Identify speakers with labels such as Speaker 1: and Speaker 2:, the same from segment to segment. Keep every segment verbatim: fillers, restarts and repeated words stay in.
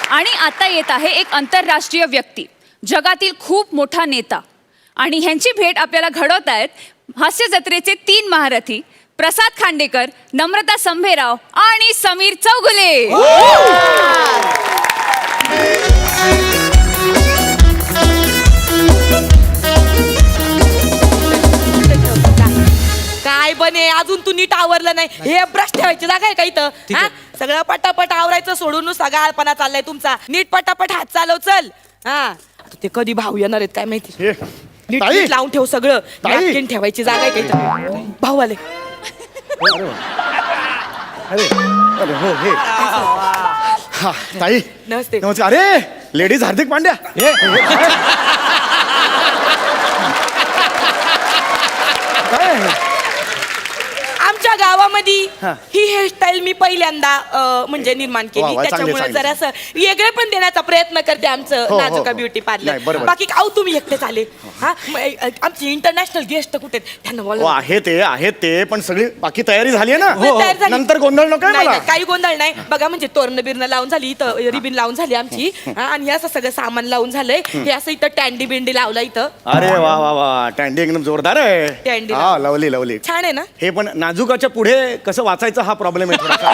Speaker 1: आणि आता येत आहे एक आंतरराष्ट्रीय व्यक्ती, जगातील खूप मोठा नेता. आणि ह्यांची भेट आपल्याला घडवत आहेत हास्य जत्रेचे तीन महारथी प्रसाद खांडेकर, नम्रता संभेराव आणि समीर चौगुले.
Speaker 2: काय बने, अजून तू नीट आवरलं नाही. हे ब्रश ठेवायची जागा आहे का इथं? हा? सगळं पटापट आवरायचं सोडून नुसता गाळपणा चाललाय तुमचा. नीट पटापट हात चालव चल. हा आता ते कधी भाऊ येणार आहेत काय माहिती. नीट
Speaker 3: ताई.
Speaker 2: नीट लावून ठेव सगळं.
Speaker 3: ताई.
Speaker 2: नॅपकिन ठेवायची जागा आहे का इथं? भाऊ आले.
Speaker 3: अरे अरे हो हे हा ताई
Speaker 2: नमस्ते.
Speaker 3: नमस्कार. अरे लेडीज हार्दिक पांड्या. हे, हे, काय आहे?
Speaker 2: आमच्या गावामध्ये
Speaker 3: हा.
Speaker 2: ही हेअरस्टाईल मी पहिल्यांदा अं, म्हणजे निर्माण
Speaker 3: वा,
Speaker 2: केली.
Speaker 3: वा, चांगली,
Speaker 2: त्याच्यामुळे
Speaker 3: चांगली.
Speaker 2: जरा असं वेगळे पण देण्याचा प्रयत्न करते आमचं
Speaker 3: हो, हो,
Speaker 2: नाजुका
Speaker 3: हो.
Speaker 2: ब्युटी
Speaker 3: नाही,
Speaker 2: पार्लर.
Speaker 3: बरोबर.
Speaker 2: बाकी काऊ तुम्ही एकटेच आले. हा मग, अ, आमची इंटरनॅशनल गेस्ट कुठे आहेत? त्यांना
Speaker 3: हो
Speaker 2: बोला.
Speaker 3: आहे ते आहे ते पण सगळी बाकी तयारी झाली आहे ना.
Speaker 2: हो, तयार झाली.
Speaker 3: नंतर गोंधळ नको
Speaker 2: नाही,
Speaker 3: मला.
Speaker 2: नाही, काही गोंधळ नाही. बघा म्हणजे तोरण बिरण लावून झाली, इथं रिबिन लावून झाली आमची. हा, आणि हे असं सगळं सामान लावून झालंय. हे असं इथं टँडी बिंडी लावलं इथं.
Speaker 3: अरे वा वा वा टँडी एकदम जोरदार आहे.
Speaker 2: टँडी
Speaker 3: हा लवली लवली.
Speaker 2: छान आहे ना.
Speaker 3: हे पण नाजुकाच्या पुढे कसं वाचायचं हा प्रॉब्लेम आहे थोडासा.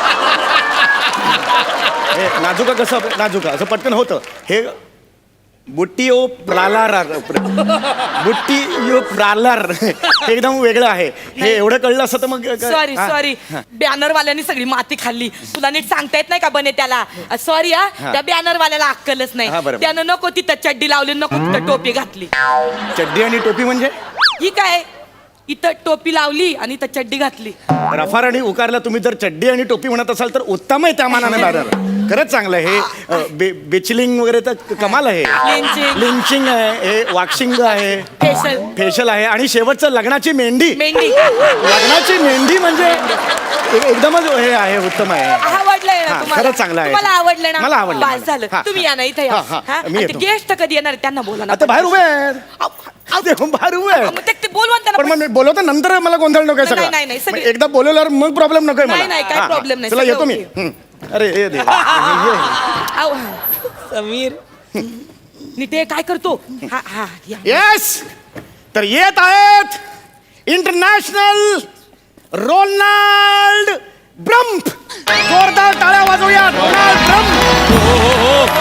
Speaker 3: हे नाजुका कसं नाजुका असं पटकन होतं. हे बुट्टीओ प्रालार बुट्टीओ प्रालार हे एकदम वेगळं आहे. हे एवढं कळलं असं तर मग
Speaker 2: सॉरी
Speaker 3: हा.
Speaker 2: सॉरी बॅनरवाल्यांनी सगळी माती खाल्ली. तुला नीट सांगता येत नाही का बने त्याला? सॉरी हा, त्या बॅनरवाल्याला अक्कलच
Speaker 3: हा,
Speaker 2: नाही.
Speaker 3: बरोबर.
Speaker 2: त्यानं नको तिथं चड्डी लावली, नको तिथं टोपी घातली.
Speaker 3: चड्डी आणि टोपी म्हणजे
Speaker 2: ही काय, इथं टोपी लावली आणि इथं चड्डी घातली.
Speaker 3: रफार आणि उकारला तुम्ही जर चड्डी आणि टोपी म्हणत असाल तर उत्तम आहे त्या मानाने बॅनर. खरंच चांगलं आहे. हे बे बेचलिंग वगैरे तर कमाल आहे.
Speaker 2: Lynching.
Speaker 3: लिंचिंग आहे, हे वॉक्सिंग आहे,
Speaker 2: फेशल
Speaker 3: फेशियल आहे आणि शेवटचं लग्नाची मेहंदी.
Speaker 2: मेहंदी
Speaker 3: लग्नाची मेहंदी म्हणजे एक- एकदमच हे आहे, उत्तम आहे.
Speaker 2: आवडलंय ना
Speaker 3: हा,
Speaker 2: तुम्हाला?
Speaker 3: खरंच चांगलं आहे.
Speaker 2: तुम्हाला आवडलं ना?
Speaker 3: मला आवडलं.
Speaker 2: बस झालं.
Speaker 3: हा,
Speaker 2: तुम्ही या ना इथं
Speaker 3: हा,
Speaker 2: या.
Speaker 3: हा,
Speaker 2: हा?
Speaker 3: मी
Speaker 2: आणि
Speaker 3: येतो.
Speaker 2: गेस्ट कधी येणार आहेत त्यांना बोला ना.
Speaker 3: आता बाहेर उभे आहेत.
Speaker 2: अहो, अहो,
Speaker 3: ते बाहेर उभे आहेत.
Speaker 2: मग ते- ते बोलवा ना
Speaker 3: पण
Speaker 2: त्यांना.
Speaker 3: मग मी बोलवतो नंतर मला गोंधळ नको
Speaker 2: नाही, नाही, नाही,
Speaker 3: सगळं.
Speaker 2: सगळे-
Speaker 3: मग एकदा बोलवल्यावर मग प्रॉब्लेम नको
Speaker 2: नाही, नाही, काय problem नाही,
Speaker 3: चला
Speaker 2: सगळं
Speaker 3: येतो मी.
Speaker 2: okay.
Speaker 3: हं. अरे ये दे.
Speaker 2: अहो, समीर नीट ये, काय करतो? हा हा या.
Speaker 3: येस तर येत आहेत इंटरनॅशनल रोनाल्ड ब्रम्प. जोरदार टाळ्या वाजवूया Ronald Bramp.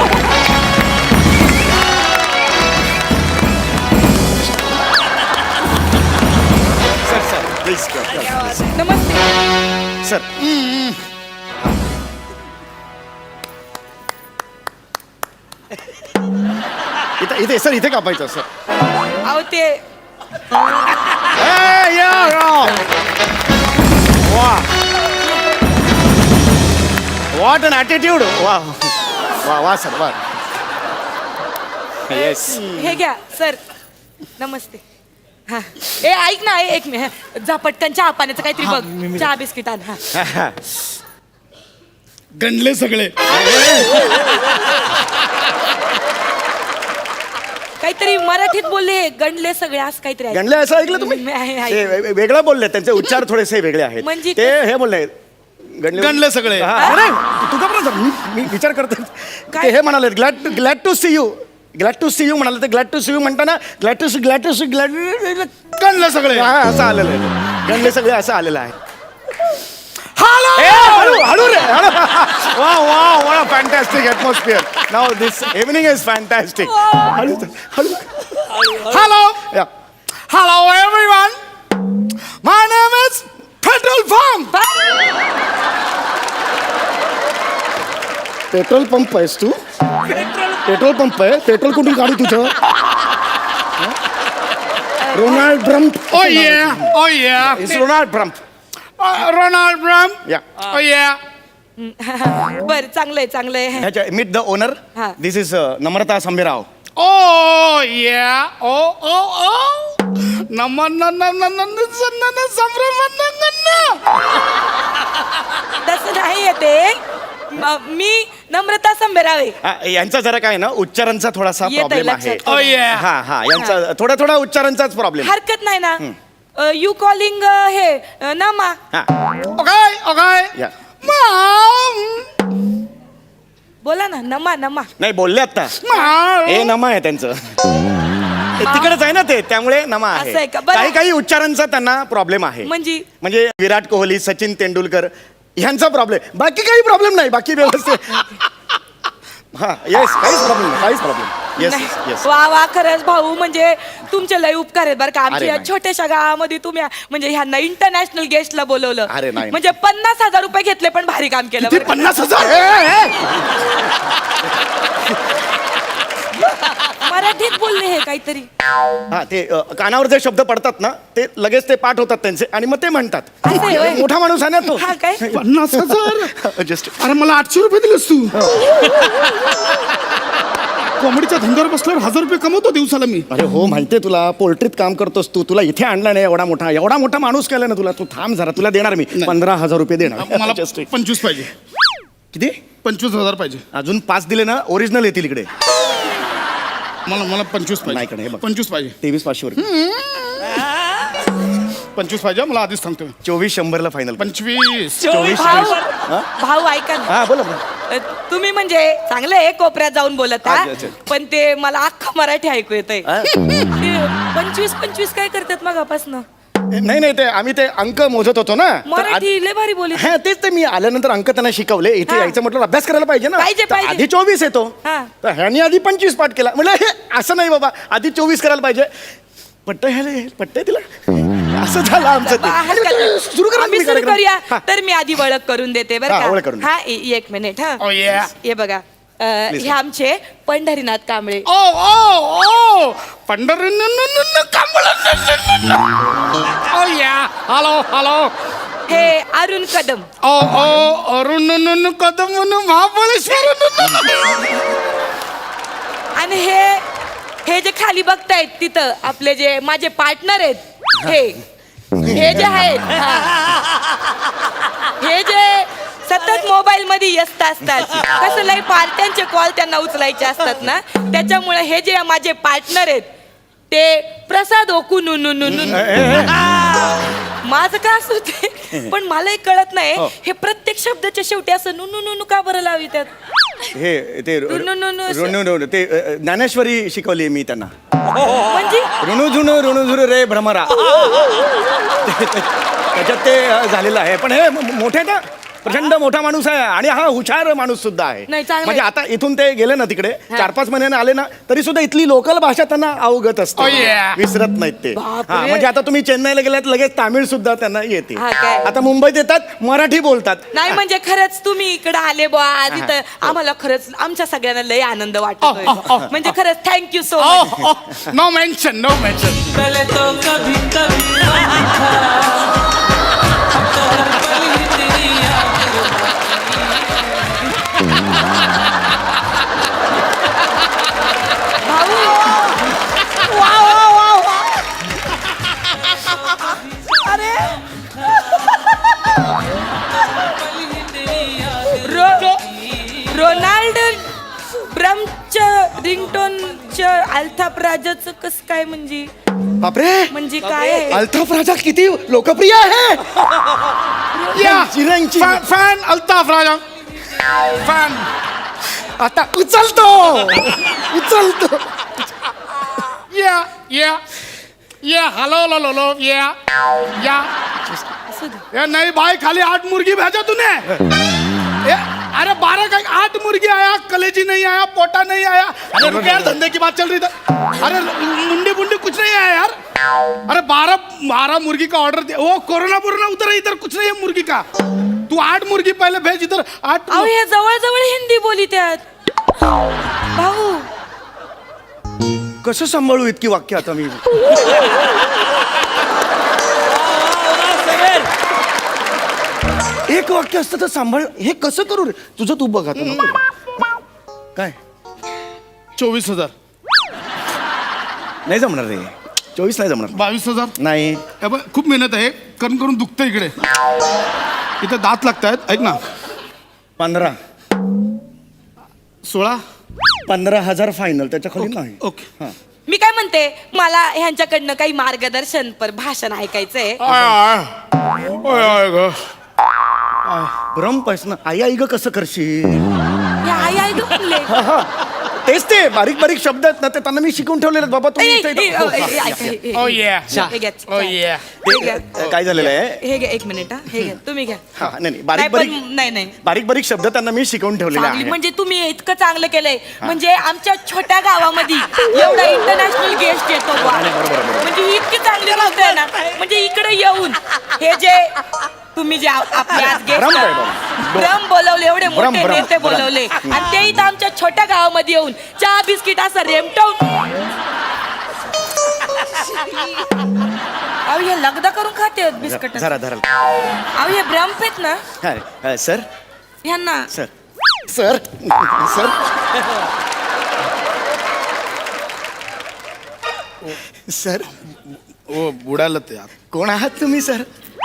Speaker 3: Sir sir please
Speaker 2: नमस्ते.
Speaker 3: सर. इथे इथे सर इथे कापायचं सर.
Speaker 2: अहो ते
Speaker 3: Hey, yeah, yeah. Wow. What an attitude. Wow. Wow, wow, sir. Wow. Yes.
Speaker 2: हे घ्या सर. नमस्ते. हा ए ऐक ना, ए, एक मिनिट जा पटकन चहा पाण्याचं काहीतरी बघ. चहा बिस्किट आण. हा
Speaker 4: गणले सगळे.
Speaker 2: काहीतरी मराठीत बोलले, गणले सगळे असं काहीतरी आहे.
Speaker 3: गणले असं ऐकलं तुम्ही?
Speaker 2: मी आहे- आहे.
Speaker 3: ते वे- वेगळं बोलले, त्यांचे उच्चार थोडेसे वेगळे आहेत.
Speaker 2: म्हणजे
Speaker 3: ते हे बोलले गणले
Speaker 4: गणले सगळे.
Speaker 3: हा, नाही, तू का बरं मी मी विचार करतो. ते हे म्हणाले glad glad to see you. Glad to see you म्हणाले. ते ग्लॅड टू सी यू म्हणताना glad to see glad to see glad
Speaker 4: गणले सगळे.
Speaker 3: हा, असं आलेलं आहे. गणले सगळे असं आलेलं आहे. ए, हळू हळू रे हळू. वा वा वा fantastic atmosphere. Now this evening is fantastic. हळू हळू.
Speaker 4: Hello
Speaker 3: yeah.
Speaker 4: Hello everyone. My name is petrol pump.
Speaker 3: Petrol pump आहेस तू? पेट्रोल पंप आहे. पेट्रोल कुठून काढू तुझं? Ronald Bramp.
Speaker 4: Oh yeah oh yeah
Speaker 3: is Ronald Bramp.
Speaker 4: Ronald Bramp.
Speaker 3: Yeah.
Speaker 4: Oh या
Speaker 2: बर चांगलंय चांगलंय.
Speaker 3: ह्याच्या मीट द ओनर.
Speaker 2: हा.
Speaker 3: दिस इज नम्रता संभेराव.
Speaker 4: ओ या ओ ओ ओ नमन नमन नमन संभ्रम.
Speaker 2: तसं नाही येते. म- मी नम्रता संभेराव आहे.
Speaker 3: हा, यांचा जरा काय ना उच्चारांचा थोडासा
Speaker 2: येतंय
Speaker 3: प्रॉब्लेम आहे.
Speaker 2: लक्षात.
Speaker 4: ओ या
Speaker 3: हा हा यांचा थोडा थोडा उच्चारांचाच प्रॉब्लेम.
Speaker 2: हरकत नाही ना. यू कॉलिंग हे अ, नमा.
Speaker 3: हा
Speaker 4: ओके ओके
Speaker 3: या.
Speaker 4: मॉम
Speaker 2: बोला ना नमा नमा.
Speaker 3: नाही बोलले आता हे नमा आहे त्यांचं ते तिकडेच आहे ना ते त्यामुळे नमा
Speaker 2: असं आहे
Speaker 3: आहे
Speaker 2: का? बरं.
Speaker 3: काही काही उच्चारांचा त्यांना प्रॉब्लेम आहे
Speaker 2: म्हणजे?
Speaker 3: म्हणजे विराट कोहली सचिन तेंडुलकर ह्यांचा प्रॉब्लेम बाकी काही प्रॉब्लेम नाही बाकी व्यवस्थित हा येस काहीच प्रॉब्लेम नाही काहीच प्रॉब्लेम येस
Speaker 2: नाही.
Speaker 3: येस
Speaker 2: वा वा खरंच भाऊ म्हणजे तुमचे लय उपकार आहेत बरं का
Speaker 3: अरे
Speaker 2: आमच्या या
Speaker 3: नाही.
Speaker 2: छोट्याशा गावामध्ये तुम्ही म्हणजे ह्यांना इंटरनॅशनल गेस्टला बोलवलं.
Speaker 3: अरे नाही.
Speaker 2: म्हणजे पन्नास हजार रुपये घेतले पण भारी काम केलं
Speaker 3: किती
Speaker 2: बरं का.
Speaker 3: पन्नास हजार ए, ए.
Speaker 2: मराठीत बोलले हे काहीतरी.
Speaker 3: हा ते अ, कानावर जे शब्द पडतात ना ते लगेच ते पाठ होतात त्यांचे आणि मग ते म्हणतात
Speaker 2: असं आहे होय?
Speaker 3: मोठा माणूस आहे ना तो
Speaker 2: हा काय?
Speaker 4: पन्नास हजार
Speaker 3: जस्ट
Speaker 4: अरे मला आठशे रुपये दिलेस तू कॉमेडीच्या धंद्यावर बसल्यावर हजार रुपये कमवतो दिवसाला मी.
Speaker 3: अरे हो माहितीये तुला पोल्ट्रीत काम करतोस तू तुला इथे आणला नाही एवढा मोठा एवढा मोठा माणूस केला ना तुला तू थांब जरा तुला देणार मी पंधरा हजार रुपये देणार
Speaker 4: मला
Speaker 3: Just एक.
Speaker 4: पंचवीस पाहिजे
Speaker 3: किती
Speaker 4: पंचवीस हजार पाहिजे
Speaker 3: अजून पाच दिले ना ओरिजिनल येतील इकडे
Speaker 4: मला मला पंचवीस
Speaker 3: नाही कडे, हे
Speaker 4: पाहिजे
Speaker 3: बघ.
Speaker 4: पंचवीस पाहिजे
Speaker 3: तेवीस पाचशे रुपये
Speaker 4: पंचवीस पाहिजे मला आधीच सांगतो मी.
Speaker 3: चोवीस शंभरला फायनल
Speaker 4: पंचवीस
Speaker 3: चोवीस
Speaker 2: भाऊ
Speaker 3: हा?
Speaker 2: भाऊ ऐका ना
Speaker 3: हा बोला बोला
Speaker 2: अ, तुम्ही म्हणजे चांगलं आहे कोपऱ्यात जाऊन बोलत हा
Speaker 3: अच्छा, अच्छा.
Speaker 2: पण ते मला अख्खं मराठी ऐकू येत आहे.
Speaker 3: हा?
Speaker 2: पंचवीस पंचवीस काय करतात मगापासनं
Speaker 3: नाही नाही ते आम्ही ते अंक मोजत होतो ना तर आधी-
Speaker 2: मराठी लय भारी बोलत.
Speaker 3: हा तेच ते मी आल्यानंतर अंक त्यांना शिकवले इथे
Speaker 2: हा.
Speaker 3: यायचं म्हटलं अभ्यास करायला पाहिजे ना
Speaker 2: पाहिजे,
Speaker 3: तर
Speaker 2: पाहिजे.
Speaker 3: आधी चोवीस येतो
Speaker 2: हा.
Speaker 3: तर ह्यानी आधी पंचवीस पाठ केला म्हटलं हे असं नाही बाबा आधी चोवीस करायला पाहिजे पट्ट ह्याला पट्ट तिला असं झालं आमचं
Speaker 2: बा, हरकत नाही.
Speaker 3: ते सुरू करा
Speaker 2: आम्ही
Speaker 3: तुम्ही
Speaker 2: सुरू
Speaker 3: कार्यक्रम.
Speaker 2: करूया
Speaker 3: हा.
Speaker 2: तर मी आधी ओळख करून देते बरं
Speaker 3: हा, ओळख करून
Speaker 2: का
Speaker 3: दे.
Speaker 2: हा ए- एक मिनिट हा
Speaker 4: Oh, yeah.
Speaker 2: हे बघा अ,
Speaker 3: Please.
Speaker 2: हे आमचे पंढरीनाथ कांबळे.
Speaker 4: ओ ओ ओ पंढरी ओ या हॅलो हॅलो
Speaker 2: हे अरुण कदम.
Speaker 4: ओ ओ अरुण कदम महाबळेश्वर
Speaker 2: आणि हे हे जे खाली बघतायत तिथं आपले जे माझे पार्टनर आहेत हे हे जे आहेत हा. हे जे सतत मोबाईल मध्ये व्यस्त असतात कसं लय पार्ट्यांचे कॉल त्यांना उचलायचे असतात ना त्याच्यामुळे हे जे माझे पार्टनर आहेत ते प्रसाद ओकू नु नु नु नु माझं का असं ते पण मला एक कळत नाही
Speaker 3: हो.
Speaker 2: हे प्रत्येक शब्दाच्या शेवटी असं नु नु नु नु का बरं लावी त्यात.
Speaker 3: हे ते
Speaker 2: नु- नु- नु- नु-
Speaker 3: ऋणू- ऋणू- ते अ, ज्ञानेश्वरी शिकवली मी त्यांना
Speaker 2: म्हणजे
Speaker 3: ऋणू झुणू ऋणू झुरू रे भ्रमरा ते- ते- त्याच्यात ते अ, झालेलं आहे पण हे म- मोठे ना प्रचंड मोठा माणूस आहे आणि हा हुशार माणूस सुद्धा आहे
Speaker 2: नाही, चांगलं
Speaker 3: म्हणजे
Speaker 2: आहे.
Speaker 3: आता इथून ते गेले ना तिकडे चार पाच महिन्याने आले ना तरी सुद्धा इथली लोकल भाषा त्यांना अवगत असते
Speaker 4: Oh, yeah.
Speaker 3: विसरत नाहीत ते
Speaker 2: बापरे.
Speaker 3: हा म्हणजे आता तुम्ही चेन्नईला गेलात लगेच तामिळ सुद्धा त्यांना येते
Speaker 2: हा, काय?
Speaker 3: आता मुंबईत येतात मराठी बोलतात
Speaker 2: नाही म्हणजे खरंच तुम्ही इकडे आले बुवा आधी तर आम्हाला खरंच आमच्या सगळ्यांना लय आनंद वाटतोय
Speaker 4: अ, अ, अ.
Speaker 2: म्हणजे खरंच thank you so
Speaker 4: oh
Speaker 2: much.
Speaker 4: Oh no mention no mention
Speaker 5: पहले तो कभी कभी था अब तो हर पल ही तेरी याद
Speaker 2: भाऊ वा वा वा वा अरे रो रोनाल्ड ब्रमच्या रिंगटोनच्या अल्ताफ राजाचं कस काय म्हणजे
Speaker 3: बापरे
Speaker 2: म्हणजे काय आहे?
Speaker 3: अल्ताफ राजा किती लोकप्रिय आहे
Speaker 4: या
Speaker 3: चिरंजीव.
Speaker 4: Fan fan Altaf Raja fan
Speaker 3: आता उचलतो उचलतो
Speaker 4: या या या हॅलो लो लो लो या या
Speaker 2: असू दे.
Speaker 4: ये नहीं भाई खाली आठ मुर्गी भेजा तूने ये, अरे बारह का आठ मुर्गी आया कलेजी नहीं आया पोटा नहीं आया अरे रुक यार धंधे की बात चल रही था अरे मुंडी मुंडी कुछ नहीं आया यार अरे बारह बारह मुर्गी का ऑर्डर दिया वो कोरोना बोरोना उधर है इधर कुछ नहीं है मुर्गी का तू आठ मुर्गी पहले भेज इधर आठ
Speaker 2: अहो हे जवळ जवळ हिंदी बोली त्यात भाऊ
Speaker 3: कसं सांभाळू इतकी वाक्य आता मी एक वाक्य असतं तर सांभाळ हे कसं करू रे तुझं तू बघ आता नको. काय
Speaker 4: चौबीस हजार
Speaker 3: नाही जमणार रे चोवीस नाही जमणार
Speaker 4: बावीस हजार
Speaker 3: नाही
Speaker 4: हे बघ, खूप मेहनत आहे करून करून दुखतं इकडे इथे दात लागतायत ऐक ना
Speaker 3: पंधरा
Speaker 4: सोळा
Speaker 3: पंधरा हजार फायनल त्याच्या खाली नाही
Speaker 4: ओके
Speaker 3: हा.
Speaker 2: मी काय म्हणते मला ह्यांच्याकडनं काही मार्गदर्शन पर भाषण ऐकायचंय.
Speaker 4: आय आय ओय आय ग
Speaker 3: भ्रम पाहिस ना आई आई ग कसं करशील
Speaker 2: हे आई आई ग आणले
Speaker 3: हा, हा. तेच ते बारीक बारीक शब्द आहेत ना ते त्यांना मी शिकून ठेवलेले आहेत बाबा
Speaker 2: ए,
Speaker 3: तुम्ही
Speaker 2: ए,
Speaker 3: इथे-
Speaker 2: ए,
Speaker 3: हो,
Speaker 2: ए,
Speaker 3: हा.
Speaker 2: ए, ऐका, हे- हे-
Speaker 4: Oh yeah.
Speaker 2: हे घ्या.
Speaker 4: Oh yeah.
Speaker 2: हे घ्या.
Speaker 3: ते, काय झालेलं आहे
Speaker 2: हे घ्या एक मिनिट हा हे घ्या तुम्ही घ्या
Speaker 3: हा नाही नाही
Speaker 2: नाही
Speaker 3: बारीक
Speaker 2: पण
Speaker 3: बारीक
Speaker 2: नाही नाही
Speaker 3: बारीक बारीक शब्द त्यांना मी शिकवून ठेवलेले
Speaker 2: चांगली
Speaker 3: आहेत
Speaker 2: म्हणजे तुम्ही इतकं चांगलं केलंय म्हणजे आमच्या छोट्या गावामध्ये एवढा इंटरनॅशनल गेस्ट येतो बुवा. म्हणजे ही इतकी चांगली गोष्ट आहे ना म्हणजे इकडे येऊन हे जे तुम्ही जे आप- आपले आज गेस्ट
Speaker 3: भ्रम काय बाबा?
Speaker 2: भ्रम बोलवले एवढे
Speaker 3: भ्रम,
Speaker 2: मोठे
Speaker 3: भ्रम,
Speaker 2: नेते
Speaker 3: भ्रम.
Speaker 2: बोलवले आणि ते इथं आमच्या छोट्या गावामध्ये येऊन चहा बिस्किट असं रेमटवून अहो हे लगदा करून खाते बिस्किट
Speaker 3: जरा जरा
Speaker 2: अहो हे भ्रम आहेत ना
Speaker 3: हा, हा, सर
Speaker 2: ह्यांना
Speaker 3: सर सर सर सर
Speaker 4: ओ बुडालं ते आता.
Speaker 3: कोण आहात तुम्ही सर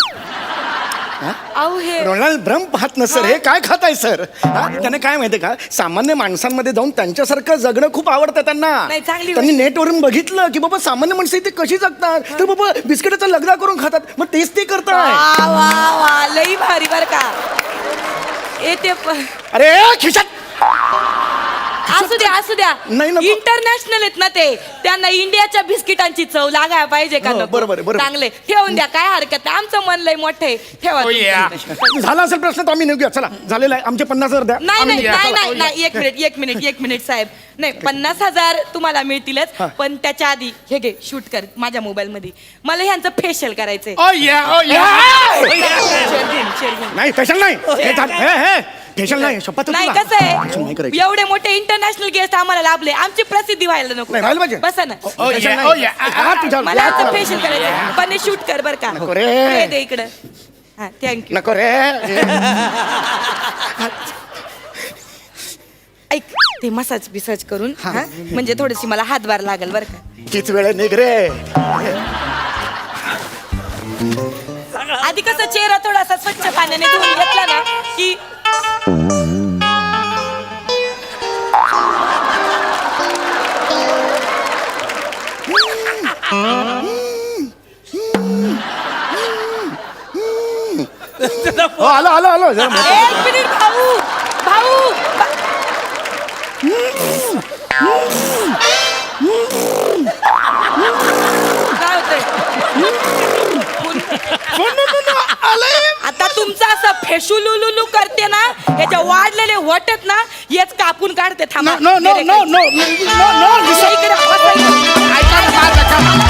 Speaker 2: अहो हे
Speaker 3: रोनाल्ड ब्रम पाहत ना सर हे काय खाताय सर हा? त्याने काय माहितीये का सामान्य माणसांमध्ये जाऊन त्यांच्यासारखं जगणं खूप आवडतं त्यांना
Speaker 2: नाही, चांगली
Speaker 3: त्यांनी नेटवरून बघितलं की बाबा सामान्य माणसं इथे कशी जगतात तर बाबा बिस्किटाचा लगदा करून खातात मग तेच ते करताय
Speaker 2: वा वा वा लई भारी बर का येते प-
Speaker 3: अरे खिशात
Speaker 2: असू द्या असू द्या
Speaker 3: नाही, नको.
Speaker 2: इंटरनॅशनल आहेत ना ते त्यांना इंडियाच्या बिस्किटांची चव लागायला पाहिजे का
Speaker 3: हो,
Speaker 2: नको?
Speaker 3: बरोबर आहे, बरोबर.
Speaker 2: चांगले ठेवून द्या काय हरकत नाही आमचं मन लय मोठं आहे ठेवा
Speaker 4: Oh yeah.
Speaker 2: तुमचं.
Speaker 3: झाला असेल प्रश्न तर आम्ही निघूया चला झालेला आहे आमचे पन्नास हजार द्या
Speaker 2: नाही
Speaker 3: आम्ही
Speaker 2: नाही
Speaker 3: निघूया.
Speaker 2: नाही
Speaker 3: चला.
Speaker 2: नाही नाही एक मिनिट एक मिनिट एक मिनिट साहेब नाही पन्नास हजार तुम्हाला मिळतीलच
Speaker 3: हा.
Speaker 2: पण त्याच्या आधी हे घे शूट कर माझ्या मोबाईल मध्ये मला ह्यांचं फेशियल करायचंय
Speaker 4: Oh yeah. Oh yeah.
Speaker 2: शेरगुन, शेरगुन.
Speaker 3: नाही फेशल नाही हे झालं. हे, हे, फेशल नाही शपथ
Speaker 2: नाही
Speaker 3: तुला.
Speaker 2: कसं
Speaker 3: फेशल नाही
Speaker 2: आहे
Speaker 3: करायची.
Speaker 2: एवढे मोठे इंटरनॅशनल गेस्ट आम्हाला लाभले आमची प्रसिद्धी व्हायला नको
Speaker 3: नाही, व्हायला पाहिजे.
Speaker 2: बसा ना
Speaker 4: Oh
Speaker 3: फेशल
Speaker 4: yeah.
Speaker 3: नाही.
Speaker 4: Oh yeah.
Speaker 3: हा, तुझ्या-
Speaker 2: मला
Speaker 3: या,
Speaker 2: आता
Speaker 3: चला.
Speaker 2: फेशियल करायचं पण शूट कर बर का
Speaker 3: नको रे.
Speaker 2: हे दे इकडं हा थँक्यू
Speaker 3: नको रे
Speaker 2: ऐक ते मसाज बिसाज करून हा म्हणजे थोडीशी मला हातभार लागेल बर का
Speaker 3: किती वेळ निघ रे
Speaker 2: आधी कसं चेहरा थोडासा स्वच्छ पाण्याने धुवून घेतला ना की
Speaker 3: हो आलो आलो आलो जरा मोठं.
Speaker 2: एक मिनिट भाऊ भाऊ बा- काय होतंय आता तुमचं असं फेशुलुलुलू करते ना ह्याच्या वाढलेले वटत ना हेच कापून काढते थांबा
Speaker 4: No, no, no, no, no, no, no, no, listen.
Speaker 2: इकडे बसा इकडे.
Speaker 4: ऐका ना, माझं, ऐका.